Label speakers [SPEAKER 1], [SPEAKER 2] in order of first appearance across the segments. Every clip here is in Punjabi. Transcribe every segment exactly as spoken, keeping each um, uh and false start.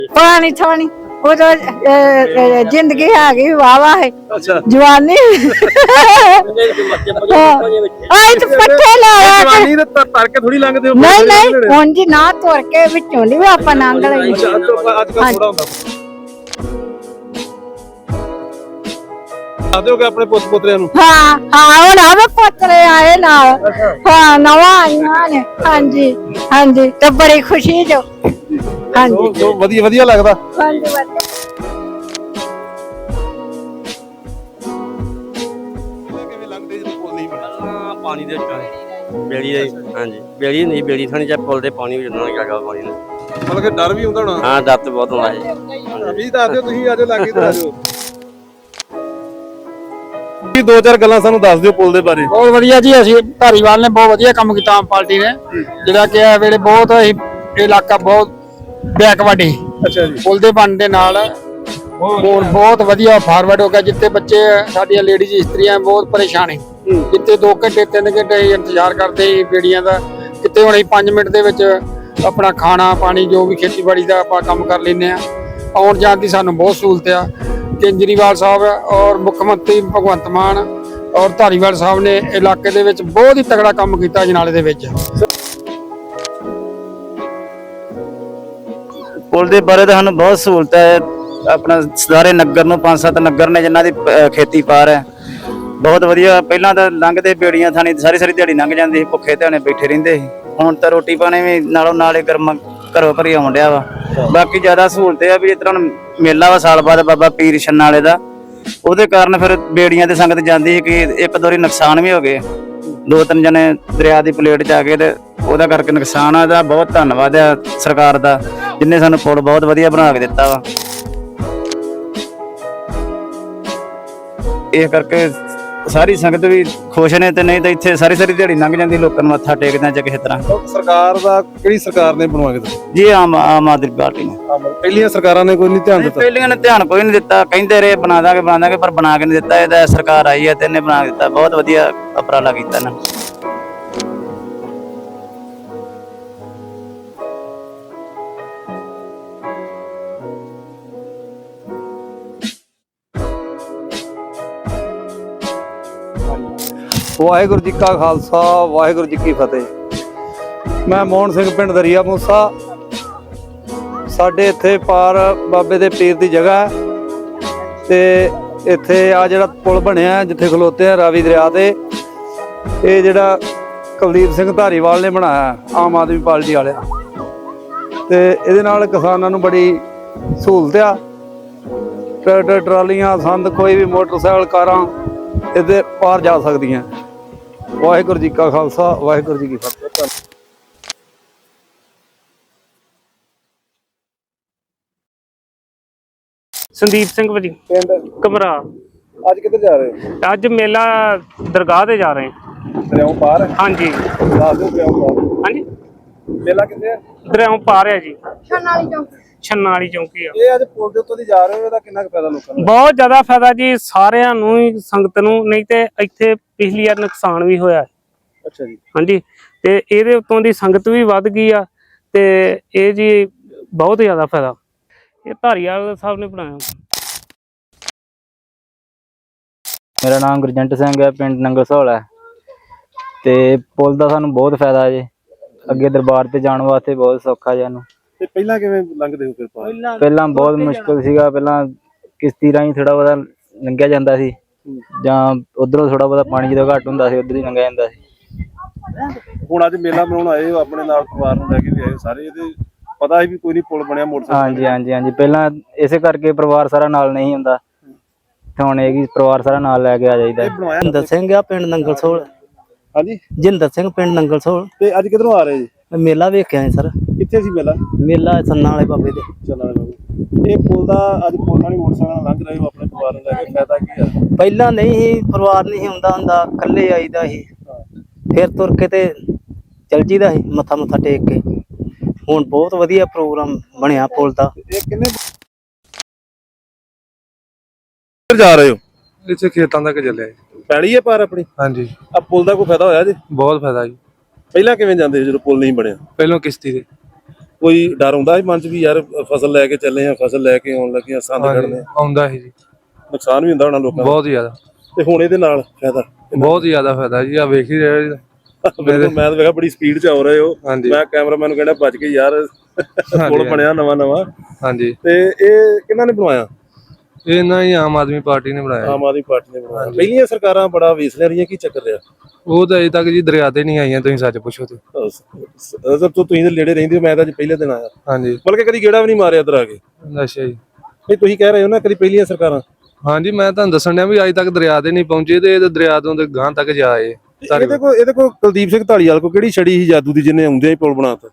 [SPEAKER 1] पानी थोनी वो तो जिंदगी है गई वाह वाह है जवानी आई तो पट्टे लाया
[SPEAKER 2] जवानी ते तर के थोड़ी लंघदे हो
[SPEAKER 1] नहीं नहीं हुन जी ना तुर के विचों नहीं आपा लंघ ਲਈ
[SPEAKER 2] ਅੱਜ ਕੱਲ ਥੋੜਾ ਹੁੰਦਾ ਆਦੇ ਹੋ ਕਿ ਆਪਣੇ ਪੁੱਤ ਪੁੱਤਰਿਆਂ ਨੂੰ
[SPEAKER 1] ਹਾਂ ਹਾਂ ਉਹ ਨਾ ਪੁੱਤਰੇ ਆਏ ਨਾਲ ਹਾਂ ਨਵਾਂ ਆਈਆਂ ਨੇ ਹਾਂਜੀ ਹਾਂਜੀ ਤੇ ਬੜੀ ਖੁਸ਼ੀ ਜੋ ਹਾਂਜੀ
[SPEAKER 2] ਜੋ ਵਧੀਆ ਵਧੀਆ ਲੱਗਦਾ
[SPEAKER 1] ਹਾਂਜੀ ਵਧੀਆ
[SPEAKER 2] ਕਿਵੇਂ ਲੱਗਦੇ ਜਦੋਂ ਪੁੱਲ ਨਹੀਂ ਬਣਿਆ
[SPEAKER 3] ਪਾਣੀ ਦੇ ਵਿੱਚ ਬੇੜੀ ਹਾਂਜੀ ਬੇੜੀ ਨਹੀਂ ਬੇੜੀ ਥਾਣੀ ਚ ਪੁੱਲ ਦੇ ਪਾਣੀ ਵਿੱਚ ਨਾ ਗਿਆ ਪਾਣੀ ਨਾਲ
[SPEAKER 2] ਮਤਲਬ ਕਿ ਡਰ ਵੀ ਹੁੰਦਾ ਹੋਣਾ
[SPEAKER 3] ਹਾਂ ਡਰ ਤੇ ਬਹੁਤ ਹੁੰਦਾ ਜੀ
[SPEAKER 2] ਵੀ ਦੱਸ ਦਿਓ ਤੁਸੀਂ ਆਜੋ ਲਾਗੇ ਤੇ ਆਜੋ ਵੀ ਦੋ ਚਾਰ ਗੱਲਾਂ ਸਾਨੂੰ ਦੱਸ ਦਿਓ ਪੁੱਲ ਦੇ ਬਾਰੇ
[SPEAKER 4] ਬਹੁਤ ਵਧੀਆ ਜੀ ਅਸੀਂ ਧਾਰੀਵਾਲ ਨੇ ਬਹੁਤ ਵਧੀਆ ਕੰਮ ਕੀਤਾ ਆਮ ਪਾਰਟੀ ਨੇ ਜਿਹੜਾ ਕਿ ਇਹ ਵੇਲੇ ਬਹੁਤ ਇਲਾਕਾ ਬਹੁਤ ਬੈਕਵਰਡ ਹੈ
[SPEAKER 2] ਅੱਛਾ ਜੀ
[SPEAKER 4] ਪੁੱਲ ਦੇ ਬਣਨ ਦੇ ਨਾਲ ਹੋਰ ਬਹੁਤ ਵਧੀਆ ਫਾਰਵਰਡ ਹੋ ਗਿਆ ਜਿੱਥੇ ਬੱਚੇ ਸਾਡੀਆਂ ਲੇਡੀਜ਼ ਇਸਤਰੀਆਂ ਬਹੁਤ ਪਰੇਸ਼ਾਨ ਹੈ ਜਿੱਥੇ ਦੋ ਘੰਟੇ ਤਿੰਨ ਘੰਟੇ ਇੰਤਜ਼ਾਰ ਕਰਦੇ ਸੀ ਬੇੜੀਆਂ ਦਾ ਕਿਤੇ ਹੁਣ ਅਸੀਂ ਪੰਜ ਮਿੰਟ ਦੇ ਵਿੱਚ ਆਪਣਾ ਖਾਣਾ ਪਾਣੀ ਜੋ ਵੀ ਖੇਤੀਬਾੜੀ ਦਾ ਆਪਾਂ ਕੰਮ ਕਰ ਲੈਂਦੇ ਆ ਆਉਣ ਜਾਣ ਦੀ ਸਾਨੂੰ ਬਹੁਤ ਸਹੂਲਤ ਆ ਕੇਜਰੀਵਾਲ ਸਾਹਿਬ ਔਰ ਮੁੱਖ ਮੰਤਰੀ ਭਗਵੰਤ ਮਾਨ ਔਰ ਧਾਰੀਵਾਲ ਸਾਹਿਬ ਨੇ ਇਲਾਕੇ ਦੇ ਵਿੱਚ ਬਹੁਤ ਹੀ ਤਗੜਾ ਕੰਮ ਕੀਤਾ ਜਨਾਲੇ ਦੇ ਵਿੱਚ
[SPEAKER 5] ਪੁੱਲ ਦੇ ਬਾਰੇ ਤਾਂ ਸਾਨੂੰ ਬਹੁਤ ਸਹੂਲਤ ਹੈ ਆਪਣਾ ਸਾਰੇ ਨਗਰ ਨੂੰ ਪੰਜ ਸੱਤ ਨਗਰ ਨੇ ਜਿਨ੍ਹਾਂ ਦੀ ਖੇਤੀ ਪਾਰ ਹੈ ਬਹੁਤ ਵਧੀਆ ਪਹਿਲਾਂ ਤਾਂ ਲੰਘਦੇ ਬੇੜੀਆਂ ਥਾਣੀ ਸਾਰੀ ਸਾਰੀ ਦਿਹਾੜੀ ਲੰਘ ਜਾਂਦੀ ਸੀ ਭੁੱਖੇ ਧਿਆਣੇ ਬੈਠੇ ਰਹਿੰਦੇ ਸੀ ਹੁਣ ਤਾਂ ਰੋਟੀ ਪਾਣੀ ਵੀ ਨਾਲੋਂ ਨਾਲੇ ਗਰਮ ਘਰੋਂ ਘਰੀ ਆਉਣ ਡਿਆ ਵਾ ਬਾਕੀ ਜ਼ਿਆਦਾ ਸਹੂਲਤ ਇਹ ਆ ਵੀ ਜਿਸ ਤਰ੍ਹਾਂ ਮੇਲਾ ਵਾ ਸਾਲ ਬਾਅਦ ਬਾਬਾ ਪੀਰ ਛੰਨਾ ਵਾਲੇ ਦਾ ਉਹਦੇ ਕਾਰਨ ਫਿਰ ਬੇੜੀਆਂ ਤੇ ਸੰਗਤ ਜਾਂਦੀ ਸੀ ਕਿ ਇੱਕ ਦੋ ਵਾਰੀ ਨੁਕਸਾਨ ਵੀ ਹੋ ਗਏ ਦੋ ਤਿੰਨ ਜਣੇ ਦਰਿਆ ਦੀ ਪਲੇਟ 'ਚ ਆ ਗਏ ਤੇ ਉਹਦਾ ਕਰਕੇ ਨੁਕਸਾਨ ਆ ਇਹਦਾ ਬਹੁਤ ਧੰਨਵਾਦ ਆ ਸਰਕਾਰ ਦਾ ਜਿੰਨੇ ਸਾਨੂੰ ਪੁਲ ਬਹੁਤ ਵਧੀਆ ਬਣਾ ਕੇ ਦਿੱਤਾ ਵਾ ਇਹ ਕਰਕੇ ਸਾਰੀ ਸੰਗਤ ਵੀ ਖੁਸ਼ ਨੇ ਤੇ ਨਹੀਂ ਤਾਂ ਇੱਥੇ ਸਾਰੀ ਸਾਰੀ ਦਿਹਾੜੀ ਲੰਘ ਜਾਂਦੀ ਲੋਕਾਂ ਨੂੰ ਮੱਥਾ ਟੇਕਦਿਆਂ ਜਾਂ ਕਿਸੇ ਤਰ੍ਹਾਂ
[SPEAKER 2] ਸਰਕਾਰ ਦਾ ਕਿਹੜੀ ਸਰਕਾਰ ਨੇ ਬਣਵਾ ਕੇ ਦਿੱਤਾ
[SPEAKER 5] ਜੀ ਆਮ ਆਮ ਆਦਮੀ ਪਾਰਟੀ ਨੇ
[SPEAKER 2] ਪਹਿਲੀਆਂ ਸਰਕਾਰਾਂ ਨੇ ਕੋਈ ਨਹੀਂ ਧਿਆਨ ਦਿੱਤਾ
[SPEAKER 5] ਪਹਿਲੀਆਂ ਨੇ ਧਿਆਨ ਕੋਈ ਨਹੀਂ ਦਿੱਤਾ ਕਹਿੰਦੇ ਰਹੇ ਬਣਾ ਦਾਂਗੇ ਬਣਾ ਦਾਂਗੇ ਪਰ ਬਣਾ ਕੇ ਨਹੀਂ ਦਿੱਤਾ ਇਹਦਾ ਸਰਕਾਰ ਆਈ ਹੈ ਤੇ ਇਹਨੇ ਬਣਾ ਕੇ ਦਿੱਤਾ ਬਹੁਤ ਵਧੀਆ ਉਪਰਾਲਾ ਕੀਤਾ ਇਹਨਾਂ
[SPEAKER 6] ਵਾਹਿਗੁਰੂ ਜੀ ਕਾ ਖਾਲਸਾ ਵਾਹਿਗੁਰੂ ਜੀ ਕੀ ਫਤਿਹ। ਮੈਂ ਮੋਹਨ ਸਿੰਘ ਪਿੰਡ ਦਰਿਆ ਮੂਸਾ ਸਾਡੇ ਇੱਥੇ ਪਾਰ ਬਾਬੇ ਦੇ ਪੀਰ ਦੀ ਜਗ੍ਹਾ ਤੇ ਇੱਥੇ ਆ ਜਿਹੜਾ ਪੁਲ ਬਣਿਆ ਜਿੱਥੇ ਖਲੋਤੇ ਆ ਰਾਵੀ ਦਰਿਆ ਤੇ ਇਹ ਜਿਹੜਾ ਕੁਲਦੀਪ ਸਿੰਘ ਧਾਰੀਵਾਲ ਨੇ ਬਣਾਇਆ ਆਮ ਆਦਮੀ ਪਾਰਟੀ ਵਾਲਿਆ ਤੇ ਇਹਦੇ ਨਾਲ ਕਿਸਾਨਾਂ ਨੂੰ ਬੜੀ ਸਹੂਲਤ ਆ ਟਰੈਕਟਰ ਟਰਾਲੀਆਂ ਸੰਦ ਕੋਈ ਵੀ ਮੋਟਰਸਾਈਕਲ ਕਾਰਾਂ ਇਹਦੇ ਪਾਰ ਜਾ ਸਕਦੀਆਂ। ਵਾਹਿਗੁਰੂ ਜੀ ਕਾ ਖਾਲਸਾ ਵਾਹਿਗੁਰੂ ਜੀ ਕੀ ਫਤਿਹ।
[SPEAKER 7] ਸੰਦੀਪ ਸਿੰਘ ਭਾਜੀ
[SPEAKER 2] ਪਿੰਡ
[SPEAKER 7] ਕਮਰਾ
[SPEAKER 2] ਅੱਜ ਕਿੱਧਰ ਜਾ ਰਹੇ ਹੋ
[SPEAKER 7] ਅੱਜ ਮੇਲਾ ਦਰਗਾਹ ਤੇ ਜਾ ਰਹੇ ਹਾਂ
[SPEAKER 2] ਦਰਿਆਓਂ ਪਾਰ
[SPEAKER 7] ਹਾਂਜੀ
[SPEAKER 2] ਦੱਸ ਦਿਓ ਦਰਿਆਓਂ ਪਾਰ
[SPEAKER 7] ਹਾਂਜੀ
[SPEAKER 2] ਮੇਲਾ ਕਿੱਥੇ ਹੈ
[SPEAKER 7] ਦਰਿਆਓਂ ਪਾਰ ਹੈ ਜੀ
[SPEAKER 1] ਛੰਨਾ ਵਾਲੀ ਚੌਂਕ
[SPEAKER 7] ਛੰਨਾ ਵਾਲੀ ਚੌਂਕੀ ਆ
[SPEAKER 2] ਇਹ ਅੱਜ ਪੁਲ ਦੇ ਉੱਤੋਂ ਦੀ ਜਾ ਰਹੇ ਹੋ ਇਹਦਾ ਕਿੰਨਾ ਕੁ ਫਾਇਦਾ ਲੋਕਾਂ ਨੂੰ
[SPEAKER 7] ਬਹੁਤ ਜ਼ਿਆਦਾ ਫਾਇਦਾ ਜੀ ਸਾਰਿਆਂ ਨੂੰ ਹੀ ਸੰਗਤ ਨੂੰ ਨਹੀਂ ਤੇ ਇੱਥੇ ਪਿਛਲੀ ਵਾਰ ਨੁਕਸਾਨ ਵੀ ਹੋਇਆ
[SPEAKER 2] ਅੱਛਾ ਜੀ
[SPEAKER 7] ਹਾਂਜੀ ਤੇ ਇਹਦੇ ਉੱਤੋਂ ਦੀ ਸੰਗਤ ਵੀ ਵੱਧ ਗਈ ਆ ਤੇ ਇਹ ਜੀ ਬਹੁਤ ਜ਼ਿਆਦਾ ਫਾਇਦਾ ਇਹ ਧਾਰੀਵਾਲ ਸਾਹਿਬ ਨੇ ਬਣਾਇਆ।
[SPEAKER 5] ਮੇਰਾ ਨਾਮ ਗੁਰਜੰਟ ਸਿੰਘ ਹੈ ਪਿੰਡ ਨੰਗਲ ਸਹੌਲ ਹੈ ਤੇ ਪੁਲ ਦਾ ਸਾਨੂੰ ਬਹੁਤ ਫਾਇਦਾ ਜੀ ਅੱਗੇ ਦਰਬਾਰ ਤੇ ਜਾਣ ਵਾਸਤੇ ਬਹੁਤ ਸੌਖਾ ਜੀ ਸਾਨੂੰ
[SPEAKER 2] ਤੇ ਪਹਿਲਾਂ ਕਿਵੇਂ ਲੰਘਦੇ ਹੋ ਫਿਰ ਪਾਰ
[SPEAKER 5] ਪਹਿਲਾਂ ਬਹੁਤ ਮੁਸ਼ਕਲ ਸੀਗਾ ਪਹਿਲਾਂ ਕਿਸ਼ਤੀ ਰਾਹੀਂ ਥੋੜਾ ਬਹੁਤਾ ਲੰਘਿਆ ਜਾਂਦਾ ਸੀ ਜਾਂ ਉਧਰੋਂ ਥੋੜਾ ਬਹੁਤਾ ਪਾਣੀ ਜਦੋਂ ਘੱਟ ਹੁੰਦਾ ਸੀ ਉਧਰ ਹੀ ਲੰਘਿਆ ਜਾਂਦਾ ਸੀ
[SPEAKER 2] ਹੁਣ ਅੱਜ ਮੇਲਾ ਮਨਾਉਣ ਆਏ ਹੋ ਆਪਣੇ ਨਾਲ ਪਰਿਵਾਰ ਨੂੰ ਲੈ ਕੇ ਵੀ ਆਏ ਸਾਰੇ ਇਹਦੇ ਪਤਾ ਹੈ ਵੀ ਕੋਈ ਨਹੀਂ ਪੁਲ ਬਣਿਆ ਮੋਟਰਸਾਈਕਲ
[SPEAKER 5] ਹਾਂਜੀ ਹਾਂਜੀ ਹਾਂਜੀ ਪਹਿਲਾਂ ਇਸੇ ਕਰਕੇ ਪਰਿਵਾਰ ਸਾਰਾ ਨਾਲ ਨਹੀਂ ਹੁੰਦਾ ਤੇ ਹੁਣ ਇਹ ਵੀ ਪਰਿਵਾਰ ਸਾਰਾ ਨਾਲ ਲੈ ਕੇ ਆ ਜਾਈਦਾ।
[SPEAKER 3] ਜਿੰਦਰ ਸਿੰਘ ਆ ਪਿੰਡ ਨੰਗਲ ਸੋਲ
[SPEAKER 2] ਹਾਂਜੀ
[SPEAKER 3] ਜਿੰਦਰ ਸਿੰਘ ਪਿੰਡ ਨੰਗਲ ਸੋਲ
[SPEAKER 2] ਤੇ ਅੱਜ ਕਿੱਧਰੋਂ ਆ ਰਹੇ ਜੀ
[SPEAKER 3] ਮੇਲਾ ਵੇਖਿਆ ਸਰ
[SPEAKER 2] ਕਿੱਥੇ ਸੀ ਮੇਲਾ
[SPEAKER 3] ਮੇਲਾ ਸੰਨਾ ਵਾਲੇ ਬਾਬੇ ਦੇ
[SPEAKER 2] ਚੱਲਣ ਬਾਬੂ ਇਹ ਪੁਲ ਦਾ ਅੱਜ ਪੁਲ ਨਾਲ ਹੀ ਮੋਟਰਸਾਈਕਲ ਲੰਘ ਰਹੇ ਹੋ ਆਪਣੇ ਪਰਿਵਾਰ ਨੂੰ ਲੈ ਕੇ ਫਾਇਦਾ ਕੀ ਆ
[SPEAKER 3] ਪਹਿਲਾਂ ਨਹੀਂ ਸੀ ਪਰਿਵਾਰ ਨਹੀਂ ਹੁੰਦਾ ਹੁੰਦਾ ਇਕੱਲੇ ਆਈਦਾ ਸੀ ਫਿਰ ਤੁਰ ਕੇ ਤੇ ਚਲ ਜੀਦਾ ਸੀ ਮੱਥਾ ਮੁੱਥਾ ਟੇਕ ਕੇ ਹੁਣ ਬਹੁਤ ਵਧੀਆ ਪ੍ਰੋਗਰਾਮ ਬਣਿਆ ਪੁਲ ਦਾ।
[SPEAKER 2] ਇਹ ਕਿੰਨੇ ਜਾ ਰਹੇ ਹੋ
[SPEAKER 6] ਇੱਥੇ ਖੇਤਾਂ ਤੱਕ ਚੱਲਿਆ
[SPEAKER 2] ਪੈੜੀ ਹੈ ਪਾਰ ਆਪਣੀ
[SPEAKER 6] ਹਾਂਜੀ
[SPEAKER 2] ਆ ਪੁਲ ਦਾ ਕੋਈ ਫਾਇਦਾ ਹੋਇਆ ਜੀ
[SPEAKER 6] ਬਹੁਤ ਫਾਇਦਾ ਜੀ
[SPEAKER 2] ਪਹਿਲਾਂ ਕਿਵੇਂ ਜਾਂਦੇ ਸੀ ਜਦੋਂ ਪੁਲ ਨਹੀਂ ਬਣਿਆ
[SPEAKER 6] ਪਹਿਲਾਂ ਕਿਸ਼ਤੀ ਤੇ
[SPEAKER 2] ਕੋਈ ਡਰ ਹੁੰਦਾ ਸੀ ਮਨ ਚ ਵੀ ਯਾਰ ਫਸਲ ਲੈ ਕੇ ਚੱਲੇ ਆ, ਫਸਲ ਲੈ ਕੇ ਆਉਣ ਲੱਗੇ ਆ, ਸੰਦ ਕੱਢਣੇ
[SPEAKER 6] ਆਉਂਦਾ ਸੀ ਜੀ,
[SPEAKER 2] ਨੁਕਸਾਨ ਵੀ ਹੁੰਦਾ ਹੋਣਾ ਲੋਕਾਂ ਦਾ
[SPEAKER 6] ਬਹੁਤ ਜ਼ਿਆਦਾ,
[SPEAKER 2] ਤੇ ਹੁਣ ਇਹਦੇ ਨਾਲ ਫਾਇਦਾ
[SPEAKER 6] ਬਹੁਤ ਜ਼ਿਆਦਾ ਫਾਇਦਾ ਜੀ। ਆ ਵੇਖ ਹੀ ਰਹੇ ਜੀ।
[SPEAKER 2] ਬਿਲਕੁਲ, ਮੈਂ ਤਾਂ ਵੇਖਿਆ ਬੜੀ ਸਪੀਡ 'ਚ ਆ ਰਹੇ ਹੋ।
[SPEAKER 6] ਹਾਂਜੀ
[SPEAKER 2] ਮੈਂ ਕੈਮਰਾਮੈਨ ਨੂੰ ਕਹਿੰਦਾ ਭੱਜ ਕੇ ਯਾਰ ਪੁਲ ਬਣਿਆ ਨਵਾਂ ਨਵਾਂ।
[SPEAKER 6] ਹਾਂਜੀ,
[SPEAKER 2] ਤੇ ਇਹ ਕਿਹਨਾਂ ਨੇ ਬਣਵਾਇਆ?
[SPEAKER 6] ਇਹ ਨਾ ਹੀ ਆਮ ਆਦਮੀ ਪਾਰਟੀ ਨੇ ਬਣਾਇਆ।
[SPEAKER 2] ਆਮ ਆਦਮੀ ਪਾਰਟੀ ਨੇ ਬਣਵਾਇਆ। ਪਹਿਲੀਆਂ ਸਰਕਾਰਾਂ ਬੜਾ ਵੇਚ ਲੈ ਰਹੀਆਂ, ਕੀ ਚੱਕਰ ਰਿਹਾ?
[SPEAKER 6] ਉਹ ਤਾਂ ਅਜੇ ਤੱਕ ਜੀ ਦਰਿਆ ਤੇ ਨਹੀਂ ਆਈਆਂ, ਤੁਸੀਂ ਸੱਚ ਪੁੱਛੋ ਤੇ।
[SPEAKER 2] ਅਸਰ ਤੋਂ ਤੁਸੀਂ ਤਾਂ ਨੇੜੇ ਰਹਿੰਦੇ ਹੋ, ਮੈਂ ਤਾਂ ਅੱਜ ਪਹਿਲੇ ਦਿਨ ਆਇਆ,
[SPEAKER 6] ਹਾਂਜੀ,
[SPEAKER 2] ਬਲਕਿ ਕਦੀ ਗੇੜਾ ਵੀ ਨਹੀਂ ਮਾਰਿਆ ਇੱਧਰ ਆ ਕੇ।
[SPEAKER 6] ਅੱਛਾ ਜੀ।
[SPEAKER 2] ਨਹੀਂ ਤੁਸੀਂ ਕਹਿ ਰਹੇ ਹੋ ਨਾ ਕਦੀ ਪਹਿਲੀਆਂ ਸਰਕਾਰਾਂ।
[SPEAKER 6] ਹਾਂਜੀ, ਮੈਂ ਤੁਹਾਨੂੰ ਦੱਸਣ ਡਿਆ ਵੀ ਅੱਜ ਤੱਕ ਦਰਿਆ ਤੇ ਨਹੀਂ ਪਹੁੰਚੇ ਤੇ ਇਹ ਦਰਿਆ ਤੋਂ ਤੇ ਗਾਂ ਤੱਕ ਜਾਏ।
[SPEAKER 2] ਇਹਦੇ ਕੋਲ ਇਹਦੇ ਕੋਲ ਕੁਲਦੀਪ ਸਿੰਘ ਢਾਲੀਵਾਲ ਕੋਲ ਕਿਹੜੀ ਛੜੀ ਸੀ ਜਾਦੂ ਦੀ ਜਿਹਨੇ ਆਉਂਦਿਆਂ ਹੀ ਪੁਲ ਬਣਾਤਾ?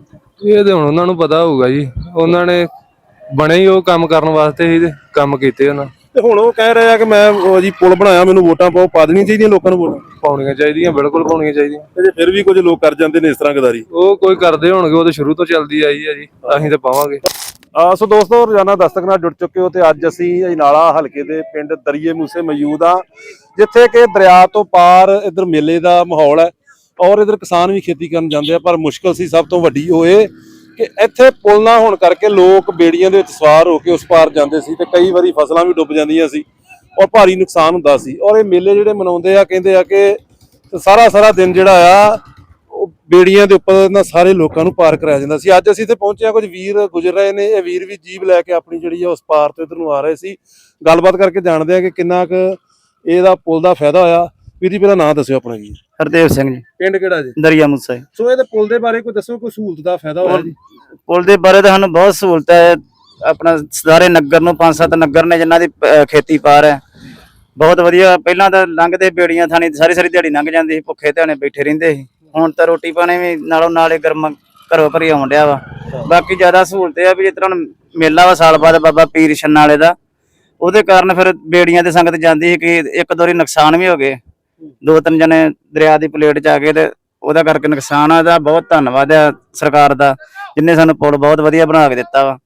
[SPEAKER 6] ਇਹ ਤੇ ਹੁਣ ਉਹਨਾਂ ਨੂੰ ਪਤਾ ਹੋਊਗਾ ਜੀ, ਉਹਨਾਂ ਨੇ ਬਣੇ ਹੀ ਉਹ ਕੰਮ ਕਰਨ ਵਾਸਤੇ ਹੀ ਤੇ ਕੰਮ ਕੀਤੇ ਉਹਨਾਂ।
[SPEAKER 2] ਤੇ ਹੁਣ ਉਹ ਕਹਿ ਰਹੇ ਆ ਕਿ ਮੈਂ ਉਹ ਜੀ ਪੁਲ ਬਣਾਇਆ, ਮੈਨੂੰ ਵੋਟਾਂ ਪਾਓ। ਪਾ ਦੇਣੀਆਂ ਚਾਹੀਦੀਆਂ ਲੋਕਾਂ ਨੂੰ ਵੋਟਾਂ?
[SPEAKER 6] ਪਾਉਣੀਆਂ ਚਾਹੀਦੀਆਂ, ਬਿਲਕੁਲ ਪਾਉਣੀਆਂ ਚਾਹੀਦੀਆਂ।
[SPEAKER 2] ਤੇ ਜੇ ਫਿਰ ਵੀ ਕੁਝ ਲੋਕ ਕਰ ਜਾਂਦੇ ਨੇ ਇਸ ਤਰ੍ਹਾਂ ਗਦਾਰੀ,
[SPEAKER 6] ਉਹ ਕੋਈ ਕਰਦੇ ਹੋਣਗੇ, ਉਹ ਤਾਂ ਸ਼ੁਰੂ ਤੋਂ ਚੱਲਦੀ ਆਈ ਹੈ ਜੀ, ਅਸੀਂ ਤਾਂ ਪਾਵਾਂਗੇ।
[SPEAKER 2] ਆ ਸੋ ਦੋਸਤੋ, ਰੋਜ਼ਾਨਾ ਦਸਤਕ ਨਾਲ ਜੁੜ ਚੁੱਕੇ ਹੋ ਤੇ ਅੱਜ ਅਸੀਂ ਅਜਨਾਲਾ ਹਲਕੇ ਦੇ ਪਿੰਡ ਦਰੀਏ ਮੂਸੇ ਮੌਜੂਦ ਆ, ਜਿੱਥੇ ਕਿ ਦਰਿਆ ਤੋਂ ਪਾਰ ਇਧਰ ਮੇਲੇ ਦਾ ਮਾਹੌਲ ਹੈ ਔਰ ਇਧਰ ਕਿਸਾਨ ਵੀ ਖੇਤੀ ਕਰਨ ਜਾਂਦੇ ਆ। ਪਰ ਮੁਸ਼ਕਲ ਸੀ ਸਭ ਤੋਂ ਵੱਡੀ ਹੋਏ ਕਿ ਇੱਥੇ ਪੁਲ ਨਾ ਹੋਣ ਕਰਕੇ ਲੋਕ ਬੇੜੀਆਂ ਦੇ ਵਿੱਚ ਸਵਾਰ ਹੋ ਕੇ ਉਸ ਪਾਰ ਜਾਂਦੇ ਸੀ ਤੇ ਕਈ ਵਾਰੀ ਫਸਲਾਂ ਵੀ ਡੁੱਬ ਜਾਂਦੀਆਂ ਸੀ ਔਰ ਭਾਰੀ ਨੁਕਸਾਨ ਹੁੰਦਾ ਸੀ। ਔਰ ਇਹ ਮੇਲੇ ਜਿਹੜੇ ਮਨਾਉਂਦੇ ਆ, ਕਹਿੰਦੇ ਆ ਕਿ ਸਾਰਾ ਸਾਰਾ ਦਿਨ ਜਿਹੜਾ ਆ ਉਹ ਬੇੜੀਆਂ ਦੇ ਉੱਪਰ ਨਾ ਸਾਰੇ ਲੋਕਾਂ ਨੂੰ ਪਾਰ ਕਰਾਇਆ ਜਾਂਦਾ ਸੀ। ਅੱਜ ਅਸੀਂ ਇੱਥੇ ਪਹੁੰਚੇ ਆ, ਕੁਝ ਵੀਰ ਗੁਜ਼ਰ ਰਹੇ ਨੇ। ਇਹ ਵੀਰ ਵੀ ਜੀਪ ਲੈ ਕੇ ਆਪਣੀ ਜਿਹੜੀ ਆ ਉਸ ਪਾਰ ਤੋਂ ਇਧਰ ਨੂੰ ਆ ਰਹੇ ਸੀ। ਗੱਲਬਾਤ ਕਰਕੇ ਜਾਣਦੇ ਆ ਕਿ ਕਿੰਨਾ ਕੁ ਇਹਦਾ ਪੁਲ ਦਾ ਫਾਇਦਾ ਹੋਇਆ। ਵੀਰ ਜੀ ਪਹਿਲਾਂ ਨਾਂ ਦੱਸਿਓ ਆਪਣਾ ਜੀ।
[SPEAKER 5] ਹਰਦੇਵ ਸਿੰਘ ਜੀ,
[SPEAKER 2] ਪਿੰਡ ਕਿਹੜਾ ਜੀ?
[SPEAKER 5] ਦਰਿਆ ਮੂਸਾ ਜੀ।
[SPEAKER 2] ਸੋ ਇਹਦੇ ਪੁਲ ਦੇ ਬਾਰੇ ਕੋਈ ਦੱਸੋ, ਕੋਈ ਸਹੂਲਤ ਦਾ ਫਾਇਦਾ ਹੋਇਆ ਜੀ?
[SPEAKER 5] ਪੁਲ ਦੇ ਬਾਰੇ ਤਾਂ ਸਾਨੂੰ ਬਹੁਤ ਸਹੂਲਤ ਹੈ। ਆਪਣਾ ਸਾਰੇ ਨਗਰ ਨੂੰ ਪੰਜ ਸੱਤ ਨਗਰ ਨੇ ਜਿਨ੍ਹਾਂ ਦੀ ਅਹ, ਖੇਤੀ ਪਾਰ ਹੈ, ਬਹੁਤ ਵਧੀਆ। ਪਹਿਲਾਂ ਤਾਂ ਲੰਘਦੇ ਬੇੜੀਆਂ ਥਾਣੀ ਸਾਰੀ ਸਾਰੀ ਦਿਹਾੜੀ ਲੰਘ ਜਾਂਦੀ ਸੀ, ਭੁੱਖੇ ਧਿਆਣੇ ਬੈਠੇ ਰਹਿੰਦੇ ਸੀ। ਹੁਣ ਤਾਂ ਰੋਟੀ ਪਾਣੀ ਵੀ ਨਾਲੋਂ ਨਾਲੇ ਗਰਮ ਘਰੋਂ ਘਰੀ ਆਉਣ ਡਿਆ ਵਾ। ਬਾਕੀ ਜ਼ਿਆਦਾ ਸਹੂਲਤ ਇਹ ਆ ਵੀ ਜਿਸ ਤਰ੍ਹਾਂ ਮੇਲਾ ਵਾ ਸਾਲ ਬਾਅਦ ਬਾਬਾ ਪੀਰ ਛੰਨਾ ਵਾਲੇ ਦਾ, ਉਹਦੇ ਕਾਰਨ ਫਿਰ ਬੇੜੀਆਂ ਤੇ ਸੰਗਤ ਜਾਂਦੀ ਸੀ ਕਿ ਇੱਕ ਦੋ ਵਾਰੀ ਨੁਕਸਾਨ ਵੀ ਹੋ ਗਏ। ਦੋ ਤਿੰਨ ਜਣੇ ਦਰਿਆ ਦੀ ਪਲੇਟ 'ਚ ਆ ਗਏ ਤੇ ਉਹਦਾ ਕਰਕੇ ਨੁਕਸਾਨ ਆ। ਇਹਦਾ ਬਹੁਤ ਧੰਨਵਾਦ ਆ ਸਰਕਾਰ ਦਾ, ਜਿੰਨੇ ਸਾਨੂੰ ਪੁਲ ਬਹੁਤ ਵਧੀਆ ਬਣਾ ਕੇ ਦਿੱਤਾ ਵਾ।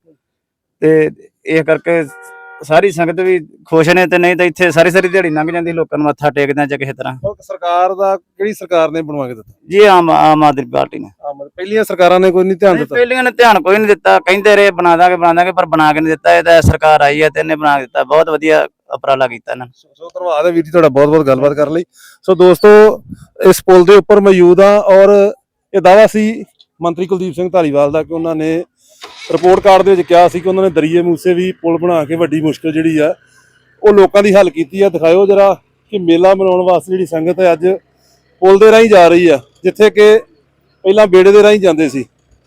[SPEAKER 5] ਤੇ ਇਹ ਕਰਕੇ ਸਾਰੀ ਸੰਗਤ ਵੀ ਖੁਸ਼ ਨੇ। ਤੇ ਨਹੀਂ ਤਾਂ ਇੱਥੇ ਸਾਰੀ ਸਾਰੀ ਦਿਹਾੜੀ ਲੰਘ ਜਾਂਦੀ, ਲੋਕਾਂ ਨੂੰ ਮੱਥਾ ਟੇਕਦਿਆਂ ਜਾਂ ਕਿਸੇ ਤਰ੍ਹਾਂ।
[SPEAKER 2] ਸਰਕਾਰ ਦਾ ਕਿਹੜੀ ਸਰਕਾਰ ਨੇ ਬਣਵਾ ਕੇ ਦਿੱਤਾ
[SPEAKER 5] ਜੀ ਆਮ ਆਮ ਆਦਮੀ ਪਾਰਟੀ ਨੇ।
[SPEAKER 2] ਪਹਿਲੀਆਂ ਸਰਕਾਰਾਂ ਨੇ ਕੋਈ ਨਹੀਂ ਧਿਆਨ ਦਿੱਤਾ?
[SPEAKER 5] ਪਹਿਲੀਆਂ ਨੇ ਧਿਆਨ ਕੋਈ ਨਹੀਂ ਦਿੱਤਾ, ਕਹਿੰਦੇ ਰਹੇ ਬਣਾ ਦਾਂਗੇ ਬਣਾ ਦਾਂਗੇ, ਪਰ ਬਣਾ ਕੇ ਨਹੀਂ ਦਿੱਤਾ। ਇਹ ਤਾਂ ਸਰਕਾਰ ਆਈ ਹੈ ਤੇ ਇਹਨੇ ਬਣਾ ਕੇ ਦਿੱਤਾ। ਬਹੁਤ ਵਧੀਆ ਉਪਰਾਲਾ ਕੀਤਾ ਇਹਨਾਂ ਨੇ।
[SPEAKER 2] ਸੋ ਧੰਨਵਾਦ ਹੈ ਵੀਰ ਜੀ ਤੁਹਾਡਾ ਬਹੁਤ ਬਹੁਤ ਗੱਲਬਾਤ ਕਰਨ ਲਈ। ਸੋ ਦੋਸਤੋ, ਇਸ ਪੁਲ ਦੇ ਉੱਪਰ ਮੌਜੂਦ ਆ ਔਰ ਇਹ ਦਾਅਵਾ ਸੀ ਮੰਤਰੀ ਕੁਲਦੀਪ ਸਿੰਘ ਧਾਲੀਵਾਲ ਦਾ ਕਿ ਉਹਨਾਂ ਨੇ ਰਿਪੋਰਟ ਕਾਰਡ ਦੇ ਵਿੱਚ ਕਿਹਾ ਸੀ ਕਿ ਉਹਨਾਂ ਨੇ ਦਰੀਏ ਮੂਸੇ ਵੀ ਪੁਲ ਬਣਾ ਕੇ ਵੱਡੀ ਮੁਸ਼ਕਲ ਜਿਹੜੀ ਆ ਉਹ ਲੋਕਾਂ ਦੀ ਹੱਲ ਕੀਤੀ ਆ। ਦਿਖਾਇਓ ਜਰਾ ਕਿ ਮੇਲਾ ਮਨਾਉਣ ਵਾਸਤੇ ਜਿਹੜੀ ਸੰਗਤ ਹੈ ਅੱਜ ਪੁਲ ਦੇ ਰਾਹੀਂ ਜਾ ਰਹੀ ਆ, ਜਿੱਥੇ ਕਿ ਪਹਿਲਾਂ ਬੇੜੇ ਦੇ ਰਾਹੀਂ ਜਾਂਦੇ ਸੀ।